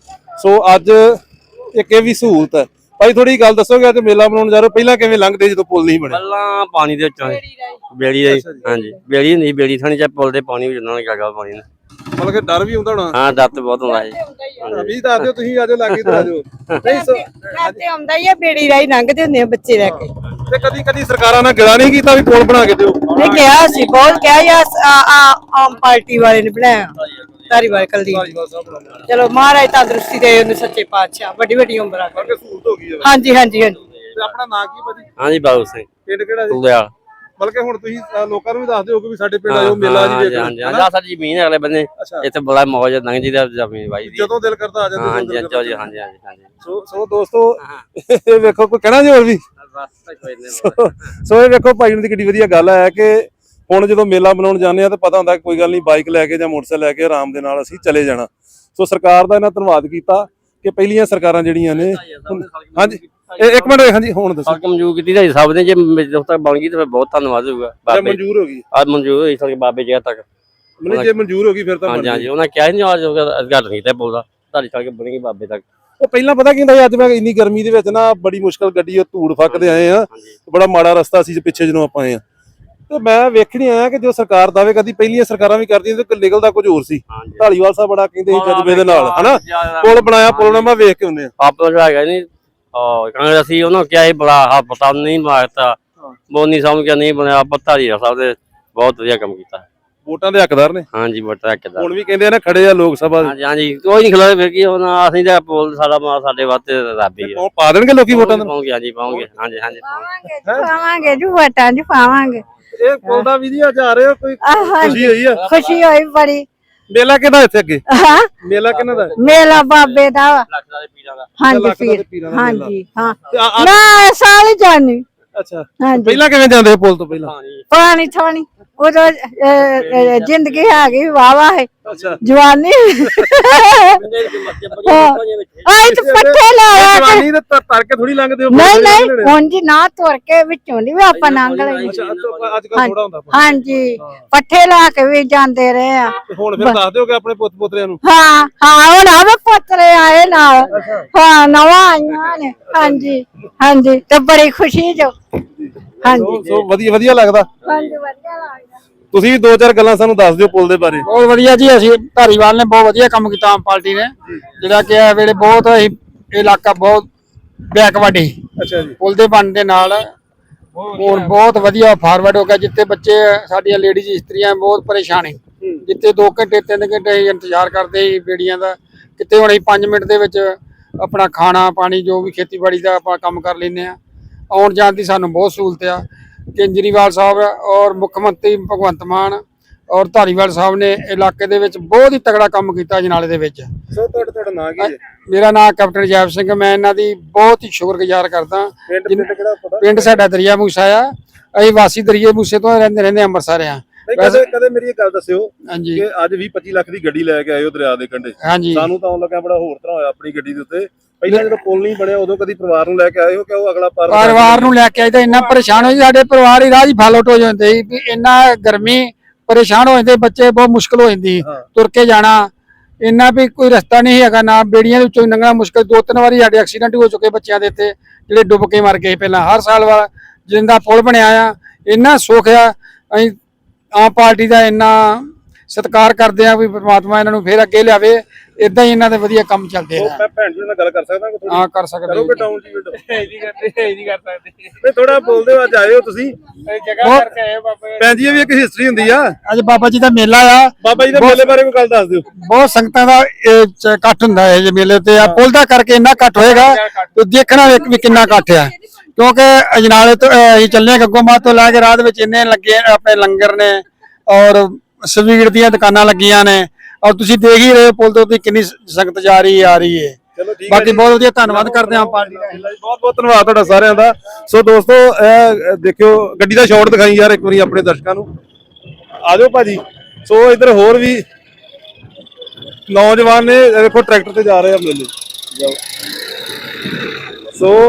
[SPEAKER 2] ਸੋ ਅੱਜ ਇੱਕ ਇਹ ਵੀ ਸਹੂਲਤ ਹੈ। ਭਾਈ ਥੋੜੀ ਗੱਲ ਦੱਸੋਗੇ, ਅੱਜ ਮੇਲਾ ਮਨਾਉਣ ਜਾ ਰਹੇ ਹੋ, ਪਹਿਲਾਂ ਕਿਵੇਂ ਲੰਘਦੇ ਜਦੋਂ ਪੁਲ ਨਹੀਂ ਬਣਿਆ?
[SPEAKER 8] ਪਹਿਲਾਂ ਪਾਣੀ ਦੇ ਵਿੱਚੋਂ ਬੇੜੀ ਦੇ, ਹਾਂਜੀ ਬੇੜੀ ਨਹੀਂ, ਬੇੜੀ ਥਾਣੀ ਚ ਪੁਲ ਦੇ ਪਾਣੀ ਵਿੱਚ ਉਹਨਾਂ ਨੇ ਕਾਗਾ ਪਾਣੀ ਨੇ।
[SPEAKER 2] ਮਤਲਬ ਕਿ ਡਰ ਵੀ ਹੁੰਦਾ ਹੋਣਾ?
[SPEAKER 8] ਹਾਂ, ਡਰ ਤੇ ਬਹੁਤ ਹੁੰਦਾ ਜੀ।
[SPEAKER 2] ਵੀ ਦੱਸ ਦਿਓ ਤੁਸੀਂ, ਆਜੋ ਲਾਗੇ ਤੇ ਆਜੋ। ਨਹੀਂ ਸੋ
[SPEAKER 1] ਤੇ ਆਉਂਦਾ ਹੀ ਆ, ਬੇੜੀ ਰਾਹੀਂ ਲੰਘਦੇ ਹੁੰਦੇ ਆ ਬੱਚੇ ਲੈ ਕੇ।
[SPEAKER 2] ਤੇ ਕਦੀ ਕਦੀ ਸਰਕਾਰਾਂ ਨੇ ਗਿਲਾ ਨਹੀਂ ਕੀਤਾ ਵੀ ਪੁਲ ਬਣਾ ਕੇ ਦਿਓ?
[SPEAKER 1] ਨਹੀਂ ਕਿਹਾ ਸੀ, ਬਹੁਤ ਕਿਹਾ ਯਾਰ, ਆਮ ਪਾਰਟੀ ਵਾਲੇ ਨੇ ਬਣਾਇਆ, ਧਾਰੀਵਾਲ ਕੁਲਦੀਪ। ਚਲੋ ਮਹਾਰਾਜ ਤੰਦਰੁਸਤੀ ਦੇ ਉਹਨੂੰ, ਸੱਚੇ ਪਾਤਸ਼ਾਹ ਵੱਡੀ ਵੱਡੀ ਉਮਰਾਂ
[SPEAKER 2] ਕਰਕੇ ਸਹੂਲਤ ਹੋ ਗਈ ਹੈ।
[SPEAKER 1] ਹਾਂਜੀ ਹਾਂਜੀ ਹਾਂਜੀ।
[SPEAKER 2] ਤੇ ਆਪਣਾ ਨਾਂ ਕੀ ਭਾਜੀ?
[SPEAKER 8] ਹਾਂਜੀ ਬਾਬੂ ਸਿੰਘ,
[SPEAKER 2] ਪਿੰਡ ਕਿਹੜਾ ਜੀ?
[SPEAKER 8] ਤੁਲਿਆਲ।
[SPEAKER 2] ਬਲਕਿ ਹੁਣ ਤੁਸੀਂ ਅ, ਲੋਕਾਂ ਨੂੰ ਵੀ ਦੱਸ ਦਿਓ ਕਿ ਵੀ ਸਾਡੇ ਪਿੰਡ ਆਇਓ, ਮੇਲਾ ਜੀ
[SPEAKER 8] ਹਾਂਜੀ
[SPEAKER 2] ਵੇਖੋ।
[SPEAKER 8] ਹਾਂਜੀ ਹਾਂਜੀ, ਸਾਡੀ ਜ਼ਮੀਨ ਹੈ ਅਗਲੇ ਬੰਦੇ, ਇੱਥੇ ਬੜਾ ਮੌਜ ਲੰਘ ਜੀ ਦਾ ਜ਼ਮੀਨ ਬਾਈ ਦੀ।
[SPEAKER 2] ਜਦੋਂ ਦਿਲ ਕਰਦਾ ਆ ਜਾਂਦੇ।
[SPEAKER 8] ਹਾਂਜੀ ਹਾਂਜੀ ਹਾਂਜੀ ਹਾਂਜੀ ਹਾਂਜੀ।
[SPEAKER 2] ਸੋ ਸੋ ਦੋਸਤੋ, ਇਹ ਵੇਖੋ, ਕੋਈ ਕਹਿਣਾ ਜੀ ਹੋਰ ਵੀ? ਸੋ ਇਹ ਵੇਖੋ ਭਾਈ ਨੂੰ ਦੀ ਕਿੱਡੀ ਵਧੀਆ ਗੱਲ ਹੈ ਕਿ ਹੁਣ ਜਦੋਂ ਮੇਲਾ ਮਨਾਉਣ ਜਾਂਦੇ ਆ ਤਾਂ ਪਤਾ ਹੁੰਦਾ ਕੋਈ ਗੱਲ ਨਹੀਂ, ਬਾਈਕ ਲੈ ਕੇ ਜਾਂ ਮੋਟਰਸਾਈਕਲ ਲੈ ਕੇ ਆਰਾਮ ਦੇ ਨਾਲ ਅਸੀਂ ਚਲੇ ਜਾਣਾ। ਸੋ ਸਰਕਾਰ ਦਾ ਇਹਨਾਂ ਧੰਨਵਾਦ ਕੀਤਾ ਕਿ ਪਹਿਲੀਆਂ ਸਰਕਾਰਾਂ ਜਿਹੜੀਆਂ ਨੇ। ਹਾਂਜੀ ਇੱਕ ਮਿੰਟ, ਹਾਂਜੀ ਹੁਣ ਦੱਸੋ।
[SPEAKER 8] ਸੜਕ ਮਨਜ਼ੂਰ ਕੀਤੀ ਤਾਂ ਸਭ ਨੇ, ਜੇ ਜਦੋਂ ਤੱਕ ਬਣ ਗਈ ਤਾਂ ਫਿਰ ਬਹੁਤ ਧੰਨਵਾਦ ਹੋਊਗਾ।
[SPEAKER 2] ਜੇ ਮਨਜ਼ੂਰ ਹੋ ਗਈ?
[SPEAKER 8] ਅੱਜ ਮਨਜ਼ੂਰ ਹੋਈ ਸੜਕ ਬਾਬੇ ਜਗ੍ਹਾ ਤੱਕ।
[SPEAKER 2] ਮਤਲਬ ਜੇ ਮਨਜ਼ੂਰ ਹੋ ਗਈ ਫਿਰ ਤਾਂ
[SPEAKER 8] ਹਾਂਜੀ ਹਾਂਜੀ, ਉਹਨਾਂ ਕਿਹਾ ਨਹੀਂ ਅੱਜ ਗੱਲ ਨਹੀਂ ਤੇ ਬੋਲਦਾ, ਤੁਹਾਡੀ ਸੜਕ ਬਣੇਗੀ ਬਾਬੇ ਤੱਕ।
[SPEAKER 2] ਉਹ ਪਹਿਲਾਂ ਪਤਾ ਕੀ ਹੁੰਦਾ, ਅੱਜ ਮੈਂ ਇੰਨੀ ਗਰਮੀ ਦੇ ਵਿੱਚ ਨਾ ਬੜੀ ਮੁਸ਼ਕਲ ਗੱਡੀ ਉਹ ਧੂੜ ਫੱਕਦੇ ਆਏ ਆ, ਬੜਾ ਮਾੜਾ ਰਸਤਾ ਸੀ ਪਿੱਛੇ ਜਦੋਂ ਆਪਾਂ ਆਏ ਆ। ਤੇ ਮੈਂ ਵੇਖਣੀ ਆਇਆ ਕਿ ਜੋ ਸਰਕਾਰ ਦਾਅਵੇ ਕਰਦੀ, ਪਹਿਲੀਆਂ ਸਰਕਾਰਾਂ ਵੀ ਕਰਦੀਆਂ ਤੇ ਨਿਕਲਦਾ ਕੁਝ ਹੋਰ ਸੀ। ਧਾਲੀਵਾਲ ਸਾਹਿਬ ਬੜਾ ਕਹਿੰਦੇ ਸੀ ਜਜ਼ਬੇ ਦੇ ਨਾਲ, ਹਨਾ ਪੁਲ ਬਣਾਇਆ, ਪੁਲ ਨਾਲ ਮੈਂ ਵੇਖ ਕੇ ਹੁੰਦੇ ਆ।
[SPEAKER 8] ਆਪ ਜਿਹੜਾ ਹੈਗਾ ਨਹੀਂ ਕਾਂਗਰਸ ਅਸੀਂ ਉਹਨੂੰ ਕਿਹਾ ਸੀ ਬੜਾ ਹਾਂ ਪਤਾ ਨਹੀਂ ਮਾਰਤਾ, ਮੋਨੀ ਸਮਝ ਕੇ ਨਹੀਂ ਬਣਿਆ। ਧਾਰੀ ਸਾਹਿਬ ਦੇ ਬਹੁਤ ਵਧੀਆ ਕੰਮ ਕੀਤਾ,
[SPEAKER 2] ਵੋਟਾਂ ਦੇ ਹੱਕਦਾਰ ਨੇ।
[SPEAKER 8] ਹਾਂਜੀ ਵੋਟਾਂ ਹੱਕਦਾਰ
[SPEAKER 2] ਹੁਣ ਵੀ ਕਹਿੰਦੇ ਆ ਨਾ ਖੜੇ ਆ ਲੋਕ ਸਭਾ।
[SPEAKER 8] ਹਾਂਜੀ ਹਾਂਜੀ, ਕੋਈ ਨਹੀਂ ਖਲੋਏ ਫਿਰ ਕੀ ਹੁਣ, ਅਸੀਂ ਤਾਂ ਪੁਲ ਸਾਡਾ ਮਾਂ ਸਾਡੇ ਵਾਸਤੇ ਰੱਬ ਹੀ ਹੈ।
[SPEAKER 2] ਪਾ ਦੇਣਗੇ ਲੋਕੀ ਵੋਟਾਂ ਦੇ?
[SPEAKER 8] ਪਾਉਂਗੇ ਹਾਂਜੀ ਪਾਉਂਗੇ, ਹਾਂਜੀ ਹਾਂਜੀ
[SPEAKER 1] ਪਾਵਾਂਗੇ ਜੀ, ਵੋਟਾਂ ਜੀ ਪਾਵਾਂਗੇ।
[SPEAKER 2] ਇਹ ਪੁਲ ਦਾ ਵੀ ਜੀ ਅੱਜ ਆ ਰਹੇ ਹੋ, ਕੋਈ ਖੁਸ਼ੀ ਹੋਈ ਆ?
[SPEAKER 1] ਖੁਸ਼ੀ ਹੋਈ ਬੜੀ,
[SPEAKER 2] ਮੇਲਾ ਕਿਹਦਾ ਇੱਥੇ ਅੱਗੇ
[SPEAKER 1] ਹਾਂ
[SPEAKER 2] ਮੇਲਾ ਕਿਹਨਾਂ ਦਾ
[SPEAKER 1] ਮੇਲਾ ਬਾਬੇ ਦਾ ਵਾ।
[SPEAKER 8] ਲੱਖਾਂ ਦੇ ਪੀਰਾਂ ਦਾ
[SPEAKER 1] ਹਾਂਜੀ
[SPEAKER 2] ਲੱਖ ਦਾ ਤੇ
[SPEAKER 1] ਪੀਰ
[SPEAKER 2] ਪੀਰਾਂ ਦਾ ਮੇਲਾ।
[SPEAKER 1] ਹਾਂਜੀ ਹਾਂ
[SPEAKER 2] ਤੇ ਆ- ਆ-
[SPEAKER 1] ਮੈਂ ਸਾਲ ਹੀ ਜਾਣੀ
[SPEAKER 2] ਅੱਛਾ
[SPEAKER 1] ਹਾਂਜੀ
[SPEAKER 2] ਪਹਿਲਾਂ ਕਿਵੇਂ ਜਾਂਦੇ ਸੀ ਪੁਲ ਤੋਂ ਪਹਿਲਾਂ
[SPEAKER 1] ਪਾਣੀ ਥਾਣੀ ਉਦੋਂ ਅਹ, ਅਹ, ਜ਼ਿੰਦਗੀ ਹੈਗੀ ਵਾਵਾ ਹੈ
[SPEAKER 2] ਅੱਛਾ
[SPEAKER 1] ਜਵਾਨੀ ਆਈ ਤੇ ਪੱਠੇ ਲਾਇਆ ਤੇ-
[SPEAKER 2] ਜਵਾਨੀ ਤੇ ਤਰ ਤਰ ਕੇ ਥੋੜੀ ਲੰਘਦੇ ਹੋ
[SPEAKER 1] ਨਹੀਂ ਨਹੀਂ ਉਂਝ ਨਾ ਤੁਰ ਕੇ ਵਿੱਚੋਂ ਦੀ ਵੀ ਆਪਾਂ ਲੰਘ ਲਈ
[SPEAKER 2] ਅੱਛਾ ਅੱਜ ਕੱਲ ਥੋੜਾ ਹੁੰਦਾ ਪਾਣੀ।
[SPEAKER 1] ਹਾਂਜੀ ਪੱਠੇ ਲਾ ਕੇ ਵੀ ਜਾਂਦੇ ਰਹੇ ਆ
[SPEAKER 2] ਤੇ ਹੁਣ ਫਿਰ ਦੱਸ ਦਿਓਗੇ ਆਪਣੇ ਪੁੱਤ ਪੋਤਰਿਆਂ ਨੂੰ
[SPEAKER 1] ਹਾਂ ਹਾਂ ਹੁਣ ਆਵੇ ਪੁੱਤਰੇ ਆਏ ਨਾਲ ਹਾਂ ਨਵਾਂ ਆਈਆਂ ਨੇ ਹਾਂਜੀ ਹਾਂਜੀ ਤੇ ਬੜੀ ਖੁਸ਼ੀ ਜੋ ਹਾਂਜੀ
[SPEAKER 2] ਸੋ ਸੋ ਵਧੀਆ ਵਧੀਆ ਲੱਗਦਾ
[SPEAKER 1] ਹਾਂਜੀ ਵਧੀਆ ਲੱਗਦਾ
[SPEAKER 2] ਤੁਸੀਂ ਵੀ ਦੋ ਚਾਰ ਗੱਲਾਂ ਸਾਨੂੰ ਦੱਸ ਦਿਓ ਪੁਲ ਦੇ ਬਾਰੇ
[SPEAKER 4] ਬਹੁਤ ਵਧੀਆ ਜੀ। ਅਸੀਂ ਧਾਰੀਵਾਲ ਨੇ ਬਹੁਤ ਵਧੀਆ ਕੰਮ ਕੀਤਾ ਆਮ ਪਾਰਟੀ ਨੇ, ਜਿਹੜਾ ਕਿ ਇਹ ਵੇਲੇ ਬਹੁਤ ਅਸੀਂ ਇਹ ਇਲਾਕਾ ਬਹੁਤ ਬੈਕਵਰਡ ਸੀ।
[SPEAKER 2] ਅੱਛਾ ਜੀ
[SPEAKER 4] ਪੁਲ ਦੇ ਬਣਨ ਦੇ ਨਾਲ ਹੁਣ ਬਹੁਤ ਵਧੀਆ ਫਾਰਵਰਡ ਹੋ ਗਿਆ। ਜਿੱਥੇ ਬੱਚੇ ਸਾਡੀਆਂ ਲੇਡੀਜ਼ ਇਸਤਰੀਆਂ ਬਹੁਤ ਪਰੇਸ਼ਾਨ ਹੈ, ਜਿੱਥੇ ਦੋ ਘੰਟੇ ਤਿੰਨ ਘੰਟੇ ਅਸੀਂ ਇੰਤਜ਼ਾਰ ਕਰਦੇ ਸੀ ਬੇੜੀਆਂ ਦਾ, ਕਿਤੇ ਹੁਣ ਅਸੀਂ ਪੰਜ ਮਿੰਟ ਦੇ ਵਿੱਚ ਆਪਣਾ ਖਾਣਾ ਪਾਣੀ ਜੋ ਵੀ ਖੇਤੀਬਾੜੀ ਦਾ ਆਪਾਂ ਕੰਮ ਕਰ ਲੈਂਦੇ ਆ। ਆਉਣ ਜਾਣ ਦੀ ਸਾਨੂੰ ਬਹੁਤ ਸਹੂਲਤ ਆ। ਕੇਜਰੀਵਾਲ ਸਾਹਿਬ ਔਰ ਮੁੱਖ ਮੰਤਰੀ ਭਗਵੰਤ ਮਾਨ ਔਰ ਧਾਰੀਵਾਲ ਸਾਹਿਬ ਨੇ ਇਲਾਕੇ ਦੇ ਵਿੱਚ ਬਹੁਤ ਹੀ ਤਗੜਾ ਕੰਮ ਕੀਤਾ ਅਜਨਾਲੇ ਦੇ ਵਿੱਚ।
[SPEAKER 2] ਸੋ ਤੁਹਾਡਾ ਤੁਹਾਡਾ ਨਾਂ ਕੀ ਹੈ
[SPEAKER 4] ਮੇਰਾ ਨਾਮ ਕੈਪਟਨ ਜੈਬ ਸਿੰਘ, ਮੈਂ ਇਹਨਾਂ ਦੀ ਬਹੁਤ ਹੀ ਸ਼ੁਕਰਗੁਜ਼ਾਰ ਕਰਦਾ।
[SPEAKER 2] ਪਿੰਡ ਪਿੰਡ ਕਿਹੜਾ ਪਤਾ
[SPEAKER 4] ਪਿੰਡ ਸਾਡਾ ਦਰਿਆ ਮੂਸਾ ਆ, ਅਸੀਂ ਵਾਸੀ ਦਰਿਆ ਮੂਸੇ ਤੋਂ ਰਹਿੰਦੇ ਰਹਿੰਦੇ ਅੰਮ੍ਰਿਤਸਰ ਆ।
[SPEAKER 2] ਨਹੀਂ ਕਦੇ ਕਦੇ ਮੇਰੀ ਇੱਕ ਗੱਲ ਦੱਸਿਓ
[SPEAKER 4] ਹਾਂਜੀ
[SPEAKER 2] ਕਿ ਅੱਜ ਵੀਹ ਪੱਚੀ ਲੱਖ ਦੀ ਗੱਡੀ ਲੈ ਕੇ ਆਏ ਹੋ ਦਰਿਆ ਦੇ ਕੰਢੇ,
[SPEAKER 4] ਹਾਂਜੀ
[SPEAKER 2] ਸਾਨੂੰ ਤਾਂ ਆਉਣ ਲੱਗਾ ਬੜਾ ਹੋਰ ਤਰ੍ਹਾਂ ਹੋਇਆ ਆਪਣੀ ਗੱਡੀ ਦੇ ਉੱਤੇ। ਪਹਿਲਾਂ ਜਦੋਂ ਪੁਲ ਨਹੀਂ ਬਣਿਆ ਉਦੋਂ ਕਦੀ ਪਰਿਵਾਰ ਨੂੰ ਲੈ ਕੇ ਆਏ ਹੋ ਕਿ ਉਹ ਅਗਲਾ ਪਾਰ
[SPEAKER 4] ਪਰਿਵਾਰ ਨੂੰ ਲੈ ਕੇ ਆਈ ਤਾਂ ਇੰਨਾ ਪਰੇਸ਼ਾਨ ਹੋਈ, ਸਾਡੇ ਪਰਿਵਾਰ ਹੀ ਰਾਹ ਹੀ ਫਾਲਟ ਹੋ ਜਾਂਦੇ ਸੀ ਵੀ ਇੰਨਾ ਗਰਮੀ ਪਰੇਸ਼ਾਨ ਹੋ ਜਾਂਦੇ ਬੱਚੇ, ਬਹੁਤ ਮੁਸ਼ਕਲ ਹੋ ਜਾਂਦੀ
[SPEAKER 2] ਹਾਂ।
[SPEAKER 4] ਤੁਰ ਕੇ ਜਾਣਾ। ਇੰਨਾ ਵੀ ਕੋਈ ਰਸਤਾ ਨਹੀਂ ਹੈਗਾ, ਨਾ ਬੇੜੀਆਂ ਦੇ ਵਿੱਚੋਂ ਲੰਘਣਾ ਮੁਸ਼ਕਲ। ਦੋ ਤਿੰਨ ਵਾਰੀ ਸਾਡੇ ਐਕਸੀਡੈਂਟ ਹੋ ਚੁੱਕੇ ਬੱਚਿਆਂ ਦੇ ਇੱਥੇ, ਜਿਹੜੇ ਡੁੱਬ ਕੇ ਮਰ ਗਏ ਪਹਿਲਾਂ। ਹਰ ਸਾਲ ਵਾਲਾ ਜਿੰਦਾ ਪੁਲ ਬਣਿਆ ਆ, ਇੰਨਾ ਸੁੱਖ ਆ। ਅਸੀਂ ਆਮ ਪਾਰਟੀ ਦਾ ਇੰਨਾ ਸਤਿਕਾਰ ਕਰਦੇ ਆ ਵੀ ਪ੍ਰਮਾਤਮਾ ਇਹਨਾਂ ਨੂੰ ਫੇਰ ਅੱਗੇ ਲਿਆਵੇ। ਇਦਾਂ ਹੀ ਇਹਨਾਂ ਦੇ ਵਧੀਆ ਕੰਮ ਚੱਲਦੇ ਆ।
[SPEAKER 2] ਮੈਂ ਭੈਣ ਜੀ ਨਾਲ ਗੱਲ ਕਰ ਸਕਦਾ ਕੋਈ
[SPEAKER 4] ਹਾਂ ਕਰ ਸਕਦੇ
[SPEAKER 2] ਕਰੋਗੇ ਡਾਊਨ ਜੀ ਵੀਡੀਓ
[SPEAKER 7] ਨਹੀਂ ਕਰਦੇ ਨਹੀਂ ਕਰ ਸਕਦੇ
[SPEAKER 2] ਨਹੀਂ ਥੋੜਾ ਬੋਲਦੇ ਹੋ, ਅੱਜ ਆਏ ਹੋ ਤੁਸੀਂ
[SPEAKER 7] ਜਗ੍ਹਾ ਕਰਕੇ ਆਏ ਬਾਬਾ
[SPEAKER 2] ਭੈਣ ਜੀ ਇਹ ਵੀ ਇੱਕ ਹਿਸਟਰੀ ਹੁੰਦੀ ਆ।
[SPEAKER 4] ਅੱਜ ਬਾਬਾ ਜੀ ਦਾ ਮੇਲਾ ਆ,
[SPEAKER 2] ਬਾਬਾ ਜੀ ਦੇ ਮੇਲੇ ਬਾਰੇ ਕੋਈ ਗੱਲ ਦੱਸ ਦਿਓ।
[SPEAKER 4] ਬਹੁਤ ਸੰਗਤਾਂ ਦਾ ਇਹ ਚ ਇਕੱਠ ਹੁੰਦਾ ਹੈ ਜੇ ਮੇਲੇ ਤੇ। ਆ ਪੁੱਲ ਦਾ ਕਰਕੇ ਇੰਨਾ ਇਕੱਠ ਹੋਏਗਾ ਤੇ ਦੇਖਣਾ ਵੇਖ ਵੀ ਕਿੰਨਾ ਇਕੱਠ ਆ। ਕਿਉਂਕਿ ਅਜਨਾਲੇ ਤੋਂ ਅਹ, ਅਸੀਂ ਚੱਲੇ ਗੱਗੋਮਾਤ ਤੋਂ ਲੈ ਕੇ ਰਾਤ ਵਿੱਚ ਇੰਨੇ ਲੱਗੇ ਆਪਣੇ ਲੰਗਰ ਨੇ ਔਰ ਸਵੀਟ ਦੀਆਂ ਦੁਕਾਨਾਂ ਲੱਗੀਆਂ ਨੇ, ਔਰ ਤੁਸੀਂ ਦੇਖ ਹੀ ਰਹੇ ਪੁੱਲ ਦੇ ਉੱਤੇ ਕਿੰਨੀ ਸੰਗਤ ਜਾ ਰਹੀ ਆ ਰਹੀ ਹੈ।
[SPEAKER 2] ਚਲੋ ਠੀਕ ਹੈ
[SPEAKER 4] ਬਾਕੀ ਬਹੁਤ ਵਧੀਆ ਧੰਨਵਾਦ ਕਰਦੇ ਹਾਂ ਪਾਰਟੀ ਦਾ।
[SPEAKER 2] ਬਹੁਤ ਬਹੁਤ ਧੰਨਵਾਦ ਤੁਹਾਡਾ ਸਾਰਿਆਂ ਦਾ। ਸੋ ਦੋਸਤੋ ਇਹ ਦੇਖਿਓ ਗੱਡੀ ਦਾ ਸ਼ਾਟ ਦਿਖਾਈ ਯਾਰ ਇੱਕ ਵਾਰੀ ਆਪਣੇ ਦਰਸ਼ਕਾਂ ਨੂੰ। ਆ ਜਾਓ ਭਾਜੀ। ਸੋ ਇੱਧਰ ਹੋਰ ਵੀ ਨੌਜਵਾਨ ਨੇ, ਇਹ ਦੇਖੋ ਟਰੈਕਟਰ ਤੇ ਜਾ ਰਹੇ ਆ ਮੇਲੇ। ਜਾਓ। ਸੋ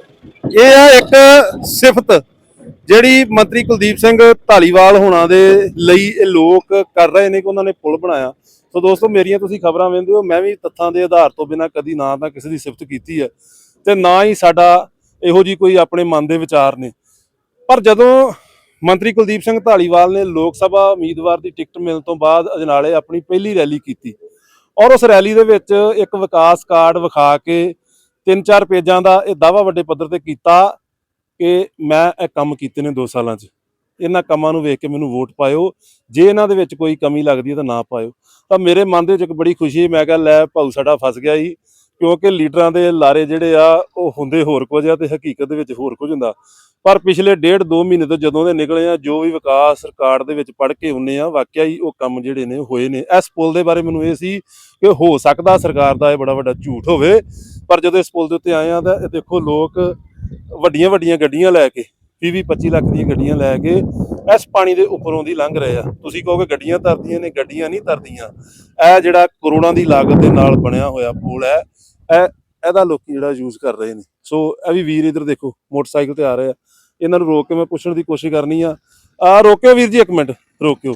[SPEAKER 2] ਇਹ ਆ ਇੱਕ ਸਿਫਤ ਜਿਹੜੀ ਮੰਤਰੀ ਕੁਲਦੀਪ ਸਿੰਘ ਧਾਲੀਵਾਲ ਹੋਣਾ ਦੇ ਲਈ ਇਹ ਲੋਕ ਕਰ ਰਹੇ ਨੇ ਕਿ ਉਹਨਾਂ ਨੇ ਪੁਲ ਬਣਾਇਆ। ਸੋ ਦੋਸਤੋ ਮੇਰੀਆਂ ਤੁਸੀਂ ਖਬਰਾਂ ਵੇਖਦੇ ਹੋ, ਮੈਂ ਵੀ ਤੱਥਾਂ ਦੇ ਆਧਾਰ ਤੋਂ ਬਿਨਾਂ ਕਦੀ ਨਾ ਤਾਂ ਕਿਸੇ ਦੀ ਸਿਫਤ ਕੀਤੀ ਹੈ ਤੇ ਨਾ ਹੀ ਸਾਡਾ ਇਹੋ ਜੀ ਕੋਈ ਆਪਣੇ ਮਨ ਦੇ ਵਿਚਾਰ ਨੇ। ਪਰ ਜਦੋਂ ਮੰਤਰੀ ਕੁਲਦੀਪ ਸਿੰਘ ਧਾਲੀਵਾਲ ਨੇ ਲੋਕ ਸਭਾ ਉਮੀਦਵਾਰ ਦੀ ਟਿਕਟ ਮਿਲਣ ਤੋਂ ਬਾਅਦ ਅਜਨਾਲੇ ਆਪਣੀ ਪਹਿਲੀ ਰੈਲੀ ਕੀਤੀ ਔਰ ਉਸ ਰੈਲੀ ਦੇ ਵਿੱਚ ਇੱਕ ਵਿਕਾਸ ਕਾਰਡ ਵਿਖਾ ਕੇ ਤਿੰਨ ਚਾਰ ਪੇਜਾਂ ਦਾ ਇਹ ਦਾਅਵਾ ਵੱਡੇ ਪੱਧਰ ਤੇ ਕੀਤਾ ਕਿ ਮੈਂ ਇਹ ਕੰਮ ਕੀਤੇ ਨੇ ਦੋ ਸਾਲਾਂ 'ਚ, ਇਹਨਾਂ ਕੰਮਾਂ ਨੂੰ ਵੇਖ ਕੇ ਮੈਨੂੰ ਵੋਟ ਪਾਇਓ, ਜੇ ਇਹਨਾਂ ਦੇ ਵਿੱਚ ਕੋਈ ਕਮੀ ਲੱਗਦੀ ਹੈ ਤਾਂ ਨਾ ਪਾਇਓ। ਤਾਂ ਮੇਰੇ ਮਨ ਦੇ ਵਿੱਚ ਇੱਕ ਬੜੀ ਖੁਸ਼ੀ, ਮੈਂ ਕਿਹਾ ਲੈ ਭਾਊ ਸਾਡਾ ਫਸ ਗਿਆ ਸੀ, ਕਿਉਂਕਿ ਲੀਡਰਾਂ ਦੇ ਲਾਰੇ ਜਿਹੜੇ ਆ ਉਹ ਹੁੰਦੇ ਹੋਰ ਕੁਝ ਆ ਤੇ ਹਕੀਕਤ ਦੇ ਵਿੱਚ ਹੋਰ ਕੁਝ ਹੁੰਦਾ। ਪਰ ਪਿਛਲੇ ਡੇਢ ਦੋ ਮਹੀਨੇ ਤੋਂ ਜਦੋਂ ਦੇ ਨਿਕਲੇ ਆ, ਜੋ ਵੀ ਵਿਕਾਸ ਰਿਕਾਰਡ ਦੇ ਵਿੱਚ ਪੜ੍ਹ ਕੇ ਹੁੰਨੇ ਆ, ਵਾਕਿਆ ਹੀ ਉਹ ਕੰਮ ਜਿਹੜੇ ਨੇ ਹੋਏ ਨੇ। ਇਸ ਪੁਲ ਦੇ ਬਾਰੇ ਮੈਨੂੰ ਇਹ ਸੀ ਕਿ ਹੋ ਸਕਦਾ ਸਰਕਾਰ ਦਾ ਇਹ ਬੜਾ ਵੱਡਾ ਝੂਠ ਹੋਵੇ, ਪਰ ਜਦੋਂ ਇਸ ਪੁਲ ਦੇ ਉੱਤੇ ਆਏ ਆ ਤਾਂ ਇਹ ਦੇਖੋ ਲੋਕ ਵੱਡੀਆਂ ਵੱਡੀਆਂ ਗੱਡੀਆਂ ਲੈ ਕੇ ਵੀਹ ਵੀਹ ਪੱਚੀ ਲੱਖ ਦੀਆਂ ਗੱਡੀਆਂ ਲੈ ਕੇ ਇਸ ਪਾਣੀ ਦੇ ਉੱਪਰੋਂ ਦੀ ਲੰਘ ਰਹੇ ਆ। ਤੁਸੀਂ ਕਹੋਗੇ ਗੱਡੀਆਂ ਤਰਦੀਆਂ ਨੇ, ਗੱਡੀਆਂ ਨਹੀਂ ਤਰਦੀਆਂ। ਇਹ ਜਿਹੜਾ ਕਰੋੜਾਂ ਦੀ ਲਾਗਤ ਦੇ ਨਾਲ ਬਣਿਆ ਹੋਇਆ ਪੁਲ ਹੈ, ਇਹ ਇਹਦਾ ਲੋਕੀ ਜਿਹੜਾ ਯੂਜ਼ ਕਰ ਰਹੇ ਨੇ। ਸੋ ਇਹ ਵੀ ਵੀਰ ਇੱਧਰ ਦੇਖੋ ਮੋਟਰਸਾਈਕਲ ਤੇ ਆ ਰਹੇ ਆ, ਇਹਨਾਂ ਨੂੰ ਰੋਕ ਕੇ ਮੈਂ ਪੁੱਛਣ ਦੀ ਕੋਸ਼ਿਸ਼ ਕਰਨੀ ਆ। ਆ ਰੋਕਿਓ ਵੀਰ ਜੀ, ਇੱਕ ਮਿੰਟ ਰੋਕਿਓ।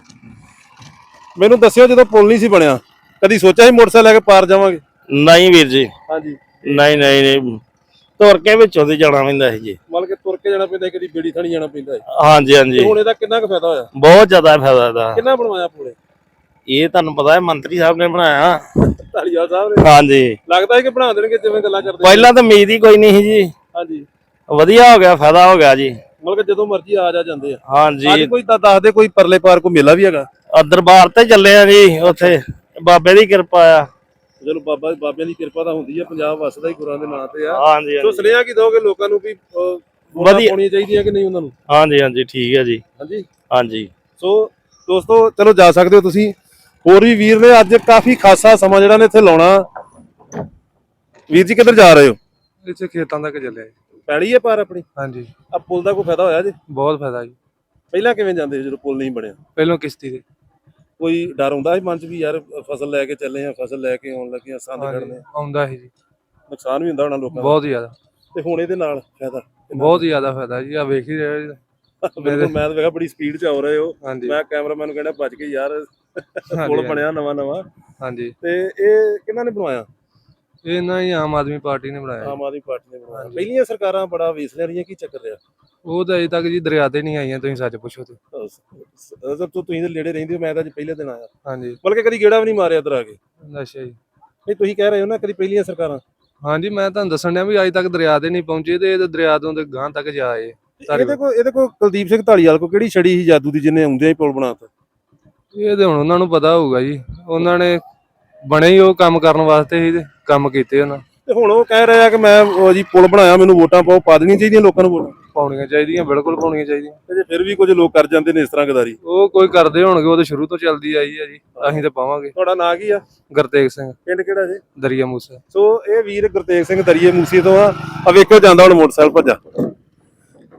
[SPEAKER 2] ਮੈਨੂੰ ਦੱਸਿਓ ਜਦੋਂ ਪੁਲ ਨਹੀਂ ਸੀ ਬਣਿਆ ਕਦੀ ਸੋਚਿਆ ਸੀ ਮੋਟਰਸਾਈਕਲ ਲੈ ਕੇ ਪਾਰ ਜਾਵਾਂਗੇ?
[SPEAKER 8] ਨਹੀਂ ਵੀਰ ਜੀ,
[SPEAKER 2] ਹਾਂਜੀ
[SPEAKER 8] ਨਹੀਂ ਨਹੀਂ ਨਹੀਂ ਤੁਰ ਕੇ ਵਿੱਚੋਂ ਦੀ ਜਾਣਾ ਪੈਂਦਾ ਸੀ ਜੀ।
[SPEAKER 2] ਮਤਲਬ ਕਿ ਤੁਰ ਕੇ ਜਾਣਾ ਪੈਂਦਾ, ਕਦੀ ਬੇੜੀ ਥਾਣੀ ਜਾਣਾ ਪੈਂਦਾ ਹੈ।
[SPEAKER 8] ਹਾਂਜੀ ਹਾਂਜੀ,
[SPEAKER 2] ਹੁਣ ਇਹਦਾ ਕਿੰਨਾ ਕੁ ਫਾਇਦਾ ਹੋਇਆ?
[SPEAKER 8] ਬਹੁਤ ਜ਼ਿਆਦਾ ਫਾਇਦਾ ਇਹਦਾ।
[SPEAKER 2] ਕਿੰਨਾ ਬਣਵਾਇਆ ਪੁਲ?
[SPEAKER 8] ਇਹ ਤੁਹਾਨੂੰ ਪਤਾ ਹੈ ਮੰਤਰੀ ਸਾਹਿਬ ਨੇ ਬਣਾਇਆ।
[SPEAKER 2] ਧਾਲੀਵਾਲ ਸਾਹਿਬ ਨੇ?
[SPEAKER 8] ਹਾਂਜੀ,
[SPEAKER 2] ਲੱਗਦਾ ਹੈ ਕਿ ਬਣਾ ਦੇਣਗੇ ਜਿਵੇਂ ਗੱਲਾਂ ਕਰਦੇ।
[SPEAKER 8] ਪਹਿਲਾਂ ਤਾਂ ਉਮੀਦ ਹੀ ਕੋਈ ਨਹੀਂ ਸੀ ਜੀ,
[SPEAKER 2] ਹਾਂਜੀ,
[SPEAKER 8] ਵਧੀਆ ਹੋ ਗਿਆ, ਫਾਇਦਾ ਹੋ ਗਿਆ ਜੀ।
[SPEAKER 2] ਮਤਲਬ ਕਿ ਜਦੋਂ ਮਰਜ਼ੀ ਆ ਜਾ ਜਾਂਦੇ ਆ।
[SPEAKER 8] ਹਾਂਜੀ,
[SPEAKER 2] ਅੱਜ ਕੋਈ ਤਾਂ ਦੱਸ ਦੇ, ਕੋਈ ਪਰਲੇ ਪਾਰ ਕੋਈ ਮੇਲਾ ਵੀ ਹੈਗਾ?
[SPEAKER 8] ਆ ਦਰਬਾਰ ਤੇ ਚੱਲੇ ਆ ਜੀ, ਉੱਥੇ ਬਾਬੇ ਦੀ ਕਿਰਪਾ ਆ।
[SPEAKER 2] ਚਲੋ ਬਾਬਾ ਬਾਬਿਆਂ ਦੀ ਕਿਰਪਾ ਤਾਂ ਹੁੰਦੀ ਹੈ, ਪੰਜਾਬ ਵਸਦਾ ਹੀ ਗੁਰਾਂ ਦੇ ਨਾਂ ਤੇ ਆ।
[SPEAKER 8] ਹਾਂਜੀ
[SPEAKER 2] ਸੋ ਸੁਨੇਹਾ ਕੀ ਦੋਗੇ ਲੋਕਾਂ ਨੂੰ ਵੀ
[SPEAKER 8] ਵਧੀਆ
[SPEAKER 2] ਵਧੀਆ ਪਾਉਣੀ ਚਾਹੀਦੀ ਹੈ ਕਿ ਨਹੀਂ ਉਹਨਾਂ ਨੂੰ?
[SPEAKER 8] ਹਾਂਜੀ ਹਾਂਜੀ, ਠੀਕ ਹੈ ਜੀ।
[SPEAKER 2] ਹਾਂਜੀ
[SPEAKER 8] ਹਾਂਜੀ,
[SPEAKER 2] ਸੋ ਦੋਸਤੋ ਚਲੋ ਜਾ ਸਕਦੇ ਹੋ ਤੁਸੀਂ। ਹੋਰ ਵੀ ਵੀਰ ਨੇ ਅੱਜ ਕਾਫੀ ਖਾਸਾ ਸਮਾਂ ਜਿਹੜਾ ਨੇ ਇੱਥੇ ਲਾਉਣਾ। ਵੀਰ ਜੀ ਕਿੱਧਰ ਜਾ ਰਹੇ ਹੋ?
[SPEAKER 6] ਇੱਥੇ ਖੇਤਾਂ ਤੱਕ ਚੱਲਿਆ ਜੀ।
[SPEAKER 2] ਪੈੜੀ ਹੈ ਪਰ ਆਪਣੀ।
[SPEAKER 6] ਹਾਂਜੀ,
[SPEAKER 2] ਆ ਪੁਲ ਦਾ ਕੋਈ ਫਾਇਦਾ ਹੋਇਆ ਜੀ?
[SPEAKER 6] ਬਹੁਤ ਫਾਇਦਾ ਜੀ।
[SPEAKER 2] ਪਹਿਲਾਂ ਕਿਵੇਂ ਜਾਂਦੇ ਸੀ ਜਦੋਂ ਪੁਲ ਨਹੀਂ ਬਣਿਆ?
[SPEAKER 6] ਪਹਿਲੋਂ ਕਿਸ਼ਤੀ ਦੇ।
[SPEAKER 2] ਕੋਈ ਡਰ ਹੁੰਦਾ ਸੀ ਮਨ ਚ ਵੀ ਯਾਰ ਫਸਲ ਲੈ ਕੇ ਚੱਲੇ ਆ, ਫਸਲ ਲੈ ਕੇ ਆਉਣ ਲੱਗੇ ਆ, ਸੰਦ
[SPEAKER 6] ਹਾਂਜੀ,
[SPEAKER 2] ਕੱਢਨੇ,
[SPEAKER 6] ਆਉਂਦਾ ਸੀ ਜੀ।
[SPEAKER 2] ਨੁਕਸਾਨ ਵੀ ਹੁੰਦਾ ਹੋਣਾ ਲੋਕਾਂ ਦਾ।
[SPEAKER 6] ਬਹੁਤ ਜ਼ਿਆਦਾ,
[SPEAKER 2] ਤੇ ਹੁਣ ਇਹਦੇ ਨਾਲ ਫਾਇਦਾ
[SPEAKER 6] ਬਹੁਤ ਜ਼ਿਆਦਾ ਫਾਇਦਾ ਜੀ। ਆ ਵੇਖ ਹੀ ਰਹੇ ਜੀ।
[SPEAKER 2] ਬਿਲਕੁਲ, ਮੈਂ ਤਾਂ ਵੇਖਿਆ ਬੜੀ ਸਪੀਡ ਚ ਆ ਰਹੇ ਹੋ।
[SPEAKER 6] ਹਾਂਜੀ
[SPEAKER 2] ਮੈਂ ਕੈਮਰਾਮੈਨ ਨੂੰ ਕਹਿੰਦਾ ਭੱਜ ਕੇ ਯਾਰ ਪੁਲ
[SPEAKER 6] ਹਾਂਜੀ,
[SPEAKER 2] ਬਣਿਆ ਨਵਾਂ ਨਵਾਂ।
[SPEAKER 6] ਹਾਂਜੀ,
[SPEAKER 2] ਤੇ ਇਹ ਕਿਹਨਾਂ ਨੇ ਬਣਵਾਇਆ?
[SPEAKER 6] ਇਹ ਨਾ ਹੀ ਆਮ ਆਦਮੀ ਪਾਰਟੀ ਨੇ ਬਣਾਇਆ।
[SPEAKER 2] ਆਮ ਆਦਮੀ ਪਾਰਟੀ ਨੇ ਬਣਵਾਇਆ। ਪਹਿਲੀਆਂ ਸਰਕਾਰਾਂ ਬੜਾ ਵੇਸ ਲੈ ਰਹੀਆਂ, ਕੀ ਚੱਕਰ ਰਿਹਾ?
[SPEAKER 6] ਉਹ ਤਾਂ ਅਜੇ ਤੱਕ ਜੀ ਦਰਿਆ ਤੇ ਨਹੀਂ ਆਈਆਂ, ਤੁਸੀਂ ਸੱਚ ਪੁੱਛੋ ਤੇ।
[SPEAKER 2] ਅਸਲ ਤੋਂ ਤੁਸੀਂ ਤਾਂ ਨੇੜੇ ਰਹਿੰਦੇ ਹੋ, ਮੈਂ ਤਾਂ ਅੱਜ ਪਹਿਲੇ ਦਿਨ ਆਇਆ,
[SPEAKER 6] ਹਾਂਜੀ,
[SPEAKER 2] ਬਲਕਿ ਕਦੀ ਗੇੜਾ ਵੀ ਨਹੀਂ ਮਾਰਿਆ ਇੱਧਰ ਆ ਕੇ।
[SPEAKER 6] ਅੱਛਾ ਜੀ।
[SPEAKER 2] ਨਹੀਂ ਤੁਸੀਂ ਕਹਿ ਰਹੇ ਹੋ ਨਾ ਕਦੀ ਪਹਿਲੀਆਂ ਸਰਕਾਰਾਂ।
[SPEAKER 6] ਹਾਂਜੀ, ਮੈਂ ਤੁਹਾਨੂੰ ਦੱਸਣ ਡਿਆ ਵੀ ਅਜੇ ਤੱਕ ਦਰਿਆ ਤੇ ਨਹੀਂ ਪਹੁੰਚੇ ਤੇ ਇਹ ਤਾਂ ਦਰਿਆ ਤੋਂ ਤੇ ਗਾਂਹ ਤੱਕ ਜਾਏ।
[SPEAKER 2] ਇਹਦੇ ਕੋਲ ਇਹਦੇ ਕੋਲ ਕੁਲਦੀਪ ਸਿੰਘ ਢਾਲੀਵਾਲ ਕੋ ਕਿਹੜੀ ਛੜੀ ਸੀ ਜਾਦੂ ਦੀ ਜਿਹਨੇ ਆਉਂਦਿਆਂ ਹੀ ਪੁਲ ਬਣਾਤਾ?
[SPEAKER 6] ਇਹ ਤੇ ਹੁਣ ਉਹਨਾਂ ਨੂੰ ਪਤਾ ਹੋਊਗਾ ਜੀ। ਉਹਨਾਂ ਨੇ ਬਣੇ ਹੀ ਉਹ ਕੰਮ ਕਰਨ ਵਾਸਤੇ ਹੀ ਤੇ ਕੰਮ ਕੀਤੇ ਉਹਨਾਂ।
[SPEAKER 2] ਤੇ ਹੁਣ ਉਹ ਕਹਿ ਰਿਹਾ ਕਿ ਮੈਂ ਉਹ ਜੀ ਪੁਲ ਬਣਾਇਆ, ਮੈਨੂੰ ਵੋਟਾਂ ਪਾਓ। ਪਾ ਦੇਣੀਆਂ ਚਾਹੀਦੀਆਂ ਲੋਕਾਂ ਨੂੰ ਵੋਟਾਂ?
[SPEAKER 6] ਪਾਉਣੀਆਂ ਚਾਹੀਦੀਆਂ, ਬਿਲਕੁਲ ਪਾਉਣੀਆਂ ਚਾਹੀਦੀਆਂ।
[SPEAKER 2] ਤੇ ਜੇ ਫਿਰ ਵੀ ਕੁਝ ਲੋਕ ਕਰ ਜਾਂਦੇ ਨੇ ਇਸ ਤਰ੍ਹਾਂ ਗਦਾਰੀ।
[SPEAKER 6] ਉਹ ਕੋਈ ਕਰਦੇ ਹੋਣਗੇ, ਉਹ ਤਾਂ ਸ਼ੁਰੂ ਤੋਂ ਚੱਲਦੀ ਆਈ ਹੈ ਜੀ। ਅਸੀਂ ਤਾਂ ਪਾਵਾਂਗੇ।
[SPEAKER 2] ਤੁਹਾਡਾ ਨਾਂ ਕੀ ਆ?
[SPEAKER 6] ਗੁਰਤੇਗ ਸਿੰਘ,
[SPEAKER 2] ਪਿੰਡ ਕਿਹੜਾ ਜੀ?
[SPEAKER 6] ਦਰਿਆ ਮੂਸਾ।
[SPEAKER 2] ਸੋ ਇਹ ਵੀਰ ਗੁਰਤੇਗ ਸਿੰਘ ਦਰੀਏ ਮੂਸੇ ਤੋਂ ਆ। ਆ ਵੇਖੋ ਜਾਂਦਾ ਹੁਣ ਮੋਟਰਸਾਈਕਲ ਭੱਜਾ।